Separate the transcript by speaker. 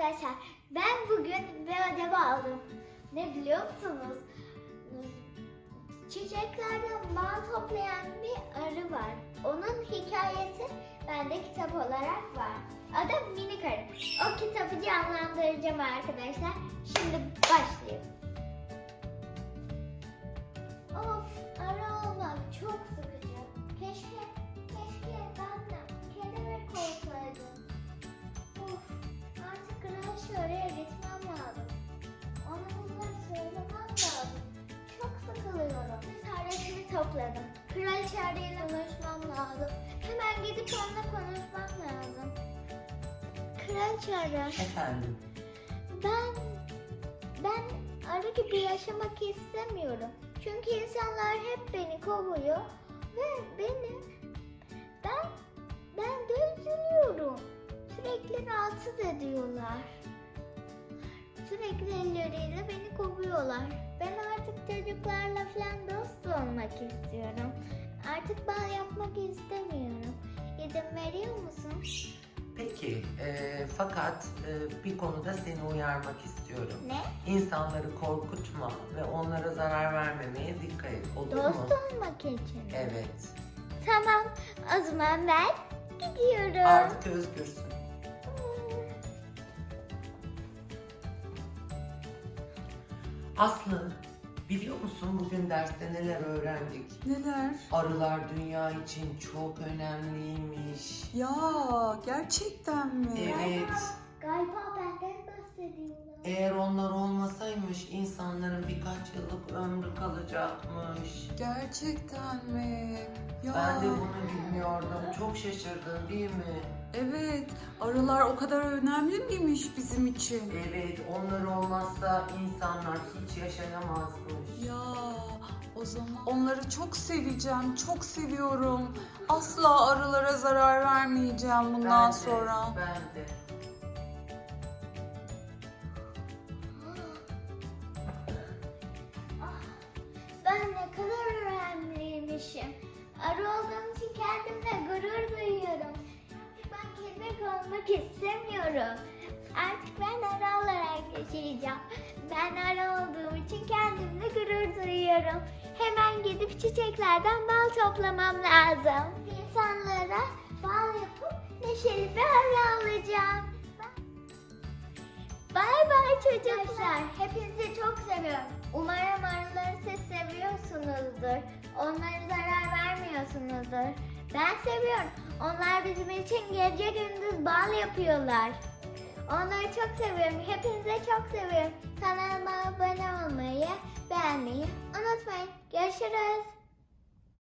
Speaker 1: arkadaşlar. Ben bugün bir ödev aldım. Ne biliyor musunuz? Çiçeklerden bal toplayan bir arı var. Onun hikayesi bende kitap olarak var. Adı Minik Arı. O kitabı canlandıracağım arkadaşlar. Şimdi başlayalım. Of, arı olmak çok sıkıcı. Keşke ben de kelebek olsaydım. Of, artık Kral oraya gitmem lazım. Ona bunları söylemem lazım. Çok sıkılıyorum. Cesaretimi topladım. Kraliçe arıyla konuşmam lazım. Hemen gidip onunla konuşmam lazım. Kraliçe arı.
Speaker 2: Efendim?
Speaker 1: Ben arı gibi yaşamak istemiyorum. Çünkü insanlar hep beni kovuyor ve ben de üzülüyorum. Sürekli rahatsız ediyorlar. Sürekli elleriyle beni kovuyorlar. Ben artık çocuklarla falan dost olmak istiyorum. Artık bal yapmak istemiyorum. İzin veriyor musun?
Speaker 2: Peki, fakat bir konuda seni uyarmak istiyorum.
Speaker 1: Ne?
Speaker 2: İnsanları korkutma ve onlara zarar vermemeye dikkat et. Olur mu?
Speaker 1: Dost olmak için.
Speaker 2: Evet.
Speaker 1: Tamam, o zaman ben gidiyorum.
Speaker 2: Artık özgürsün. Aslı, biliyor musun bugün derste neler öğrendik?
Speaker 3: Neler?
Speaker 2: Arılar dünya için çok önemliymiş.
Speaker 3: Ya gerçekten mi?
Speaker 2: Evet.
Speaker 1: Galiba benden bahsediyorlar.
Speaker 2: Eğer onlar olmasaymış insanların birkaç yıllık ömrü kalacakmış.
Speaker 3: Gerçekten mi? Ya
Speaker 2: Ben de bunu bilmiyordum. Çok şaşırdın değil mi?
Speaker 3: evet, arılar o kadar önemli miymiş bizim için?
Speaker 2: Evet, onlar olmazsa insanlar hiç yaşayamazmış.
Speaker 3: Ya o zaman onları çok seveceğim, çok seviyorum. Asla arılara zarar vermeyeceğim bundan
Speaker 2: Ben de,
Speaker 3: sonra.
Speaker 2: Ben de.
Speaker 1: Ben ne kadar önemliymişim. Arı olduğum için kendimle gurur duyuyorum. Ben kelebek olmak istemiyorum. Artık ben arı olarak yaşayacağım. Ben arı olduğum için kendimle gurur duyuyorum. Hemen gidip çiçeklerden bal toplamam lazım. İnsanlara bal yapıp neşeli bir arı alacağım. Bay bay çocuklar. Hepinizi çok seviyorum. Umarım arıları siz seviyorsunuzdur. Onlara zarar vermiyorsunuzdur. Ben seviyorum. Onlar bizim için gece gündüz bal yapıyorlar. Onları çok seviyorum. Hepinizi çok seviyorum. Kanalıma abone olmayı, beğenmeyi unutmayın. Görüşürüz.